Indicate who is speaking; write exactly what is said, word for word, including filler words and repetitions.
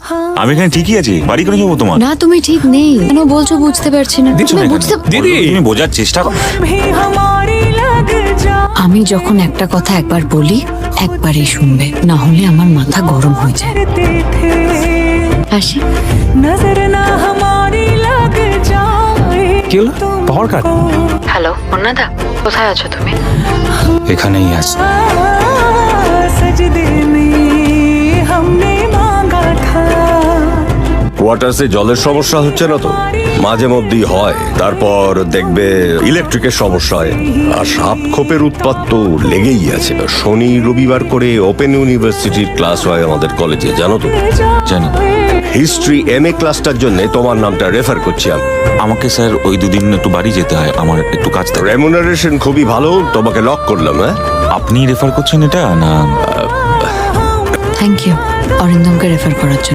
Speaker 1: আমি এখানে ঠিকই আছি, বাড়ি করে যাবো তোমার।
Speaker 2: না তুমি ঠিক নেই, কেন বলছো বুঝতে পারছি না।
Speaker 1: দিচ্ছ না
Speaker 2: তুমি
Speaker 1: কেন?
Speaker 2: বুঝতে
Speaker 1: দিদি তুমি বোঝার চেষ্টা করো।
Speaker 2: আমি যখন একটা কথা একবার বলি একবারই শুনবে, না হলে আমার মাথা গরম হয়ে যায়। আসি।
Speaker 1: কি হলো? পাওয়ার কাট।
Speaker 2: হ্যালো অন্নদা, কোথায় আছো তুমি?
Speaker 1: এখানেই আছি।
Speaker 3: কোয়ার্টার্সে জলের সমস্যা হচ্ছে না তো? মাঝে মধ্যেই হয়, তারপর দেখবে ইলেকট্রিকের সমস্যা হয়, আর সাপ খোপের উৎপাত তো লেগেই আছে। শনি রবিবার করে ওপেন ইউনিভার্সিটির ক্লাস হয় আমাদের কলেজে, জানো তো?
Speaker 1: জানি।
Speaker 3: হিস্ট্রি এম এ ক্লাসটার জন্য তোমার নামটা রেফার করছি আমি।
Speaker 1: আমাকে স্যার ওই দুদিন একটু বাড়ি যেতে হয়, আমার একটু কাজ থাকে।
Speaker 3: রেমুনারেশন খুবই ভালো, তোমাকে লক করলাম। হ্যাঁ,
Speaker 1: আপনি রেফার করছেন এটা না?
Speaker 2: থ্যাংক ইউ অরিন্দমকে রেফার করার জন্য।